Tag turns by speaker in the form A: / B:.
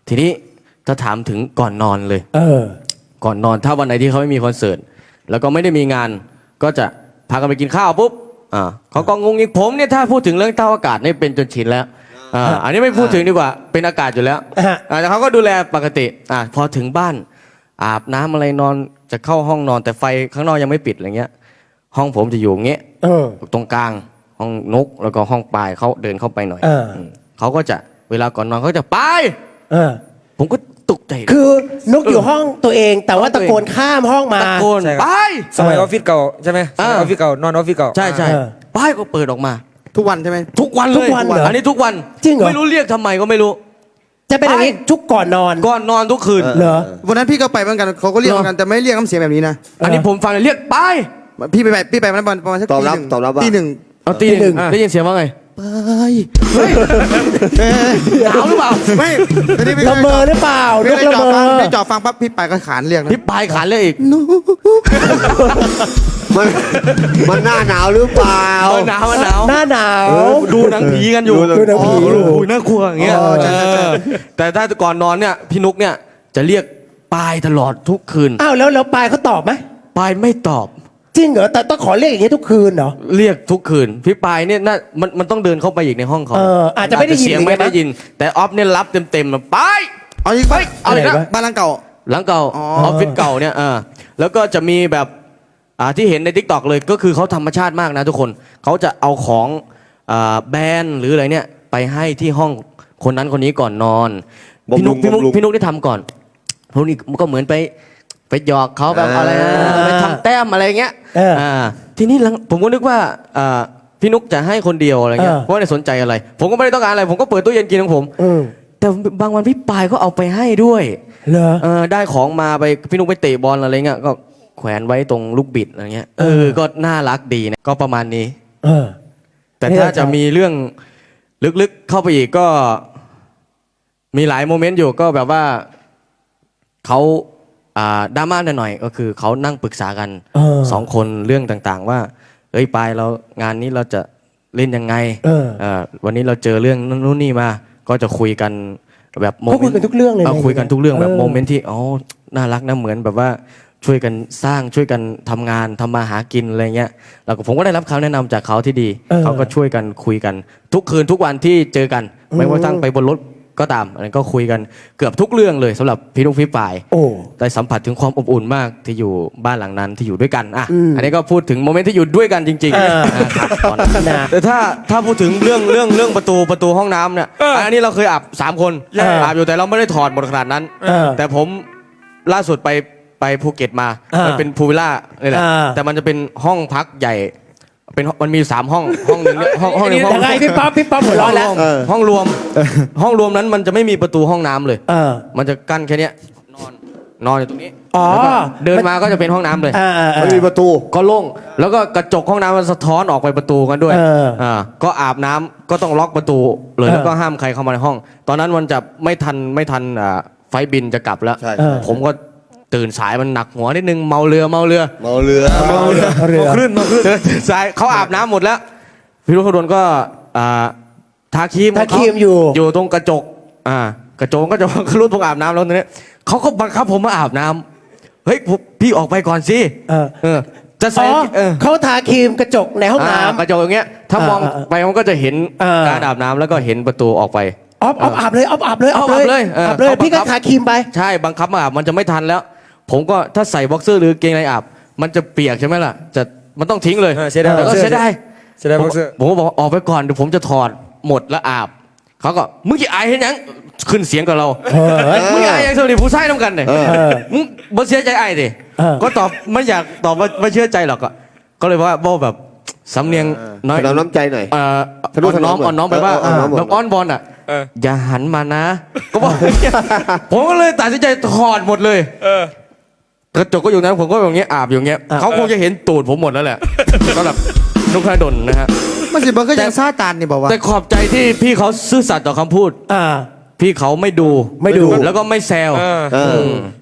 A: ทีนี้ถ้าถามถึงก่อนนอนเลยก่อนนอนถ้าวันไหนที่เขาไม่มีคอนเสิร์ตแล้วก็ไม่ได้มีงานก็จะพากันไปกินข้าวปุ๊บเขาก็งงอีกผมเนี่ยถ้าพูดถึงเรื่องเต้าอากาศนี่เป็นจนชินแล้วอันนี้ไม่พูดถึงดีกว่าเป็นอากาศอยู่แล้วแต่เขาก็ดูแลปกติพอถึงบ้านอาบน้ำอะไรนอนจะเข้าห้องนอนแต่ไฟข้างนอกยังไม่ปิดอะไรเงี้ยห้องผมจะอยู่เงี้ยตรงกลางห้องนกแล้วก็ห้องปลายเขาเดินเข้าไปหน่อยเขาก็จะเวลาก่อนนอนเขาจะไปผมก็ตกใจ
B: คือนกอยู่ห้องตัวเองแต่ว่าตะโกนข้ามห้องมา
A: ตะโกนไป
C: สมัยออฟฟิศเก่าใช่ไหมสมัยออฟฟิศเก่านอนออฟฟิศเก่า
A: ใช่ใช่ป้ายก็เปิดออกมา
D: ทุกวันใช่ไหม
A: ทุกวันเลยอันนี้ทุกวัน
B: จริงเหรอ
A: ไม่รู้เรียกทำไมก็ไม่รู้
B: จะเป็นอย่างนี้ทุกก่อนนอน
A: ทุกคืน
B: เหรอ
D: วันนั้นพี่ก็ไปเหมือนกันเขาก็เรียกเหมือนกันแต่ไม่เรียกน้ำเสียงแบบนี้นะ
A: อันนี้ผมฟังเรียกไป
D: พี่ไปมันประมาณสักตีหนึ่งตีหนึ่ง
A: ได้ยินเสียงว่าไง
D: ไป
A: หนาวหรือเปล่า
D: ไม่
B: ละเมอหรือเปล่านกละเมอ
D: ไม่จ่อฟังปั๊บพี่ไปก็ขานเรียกนะ
A: พี่ไปขานเรียกอีก
E: มันหน้าหนาวหรือเปล่า
A: หนาวห
B: นาว
A: ดูหนังผีกันอยู่
B: ดูหนังผี
A: น่ากลัวอย่างเงี้ยแต่ถ้าก่อนนอนเนี่ยพี่นุกเนี่ยจะเรียกปายตลอดทุกคืน
B: อ้าวแล้วปายเขาตอบไหม
A: ปายไม่ตอบ
B: จริงเหรอแต่ต้องขอเรียกอย่างนี้ทุกคืนเหรอ
A: เรียกทุกคืนพี่ปายเนี่ยน่ามันต้องเดินเข้าไปอีกในห้องเขา
B: อาจจะไม่ได้ยิน
A: เสียงไม่ได้ยินแต่ออฟเนี่ยรับเต็มๆไป
D: เอาอีกไปเอาอีกนะบ้านหลังเก่า
A: ออฟฟิศเก่าเนี่ยแล้วก็จะมีแบบที่เห็นใน TikTok เลยก็คือเขาธรรมชาติมากนะทุกคนเขาจะเอาของแบรนด์หรืออะไรเนี่ยไปให้ที่ห้องคนนั้นคนนี้ก่อนนอนพี่นุกได้ทำก่อนพวกนี้ก็เหมือนไปหยอกเขาแบบอะไรไปทำแต้มอะไรเงี้ยทีนี้ผมก็นึกว่าพี่นุกจะให้คนเดียวอะไรเงี้ยเพราะไม่ได้สนใจอะไรผมก็ไม่ได้ต้องการอะไรผมก็เปิดตู้เย็นกินของผมแต่บางวันพี่ปายก็เอาไปให้ด้วยได้ของมาไปพี่นุกไปเตะบอลอะไรเงี้ยก็แขวนไว้ตรงลูกบิดอะไรเงี้ยก็น่ารักดีนะก็ประมาณนี้แต่ถ้าจะมีเรื่องลึกๆเข้าไปอีกก็มีหลายโมเมนต์อยู่ก็แบบว่าเขาดราม่าหน่อยก็คือเขานั่งปรึกษากัน2 คนเรื่องต่างๆว่าเอ้ยปายเรางานนี้เราจะเล่นยังไงวันนี้เราเจอเรื่องนู้นนี่มาก็จะคุยกันแบบโมเมนต์
B: คุยกันทุกเรื่องเลย
A: คุยกันทุกเรื่องแบบโมเมนต์ที่น่ารักนะเหมือนแบบว่าช่วยกันสร้างช่วยกันทำงานทำมาหากินอะไรเงี้ยแล้วผมก็ได้รับคำแนะนำจากเขาที่ดีเขาก็ช่วยกันคุยกันทุกคืนทุกวันที่เจอกันไม่ว่าทั้งไปบนรถก็ตามอันนั้นก็คุยกันเกือบทุกเรื่องเลยสำหรับพี่นุ๊กพี่ปายได้สัมผัสถึงความอบอุ่นมากที่อยู่บ้านหลังนั้นที่อยู่ด้วยกันอันนี้ก็พูดถึงโมเมนต์ที่อยู่ด้วยกันจริงๆแต่ถ้าพูดถึงเรื่องประตูห้องน้ำเนี่ยอันนี้เราเคยอาบ3 คนอาบอยู่แต่เราไม่ได้ถอดหมดขนาดนั้นแต่ผมล่าสุดไปภูเก็ตมามันเป็นพูลวิลล่าเลยแหละแต่มันจะเป็นห้องพักใหญ่มันมี3 ห้องหนึ่งห้องหนึ่ง
B: ยังไงพี่ป๊อปหัวเราะแล้ว
A: ห้องรวมนั้นมันจะไม่มีประตูห้องน้ำเลยมันจะกั้นแค่นี้นอนอยู่ตรงนี้เดินมาก็จะเป็นห้องน้ำเลย
E: ไม่มีประตู
A: ก็โล่งแล้วก็กระจกห้องน้ำมันสะท้อนออกไปประตูกันด้วยก็อาบน้ำก็ต้องล็อกประตูเลยแล้วก็ห้ามใครเข้ามาในห้องตอนนั้นมันจะไม่ทันไฟบินจะกลับแล้วผมก็ตื่นสายมันหนักหัวนิดนึงเมาเรือคลื่นตื่นสายเขาอาบน้ำหมดแล้วพี่รุ่งขดลก็ทาครีมอยู่ตรงกระจกกระจกก็จะรุ่นตรงอาบน้ำแล้วตรงนี้เขาก็บังคับผมมาอาบน้ำเฮ้ยพี่ออกไปก่อนสิจะใส่
B: เขาทาครีมกระจกในห้องน้ำ
A: กระจกอย่างเงี้ยถ้ามองไปมันก็จะเห็นการอาบน้ำแล้วก็เห็นประตูออกไป
B: อาบเลยพี่ก็ทาครีมไป
A: ใช่บังคับมาอาบมันจะไม่ทันแล้วผมก็ถ้าใส่บ็อกเซอร์หรือเกงในอาบมันจะเปียกใช่ไหมล่ะมันต้องทิ้งเลย
C: เสียดายบ็อกเซอร์
A: ผมก็บอกออกไปก่อนเดี๋ยวผมจะถอดหมดแล้วอาบเขาก็มึงจะอายเห็นยังขึ้นเสียงกับเรามึงอายยังสวัสดีผู้ชายน้ำกันเลยมึงบ่เชื่อใจอายดิก็ตอบไม่อยากตอบว่าไม่เชื่อใจหรอกก็เลยว่าแบบสำเนียงน้อย
E: น้ำใจหน่อย
A: อ่อนน้อมไปว่าแบบอ้อนบอลอย่าหันมานะก็บอกผมก็เลยตัดสินใจถอดหมดเลยกระจกก็อยู่นั้นผมก็อย่างเงี้ยอาบอยู่เงี้ยเขาคงจะเห็นตูดผมหมดแล้วแหละก็แบบนุกขดลนะฮะ
D: มันสิบังก็ยังซาตานนี่บอกว่า
A: แต่ขอบใจที่พี่เขาซื่อสัตย์ต่อคำพูดพี่เขาไม่ดูแล้วก็ไม่แซว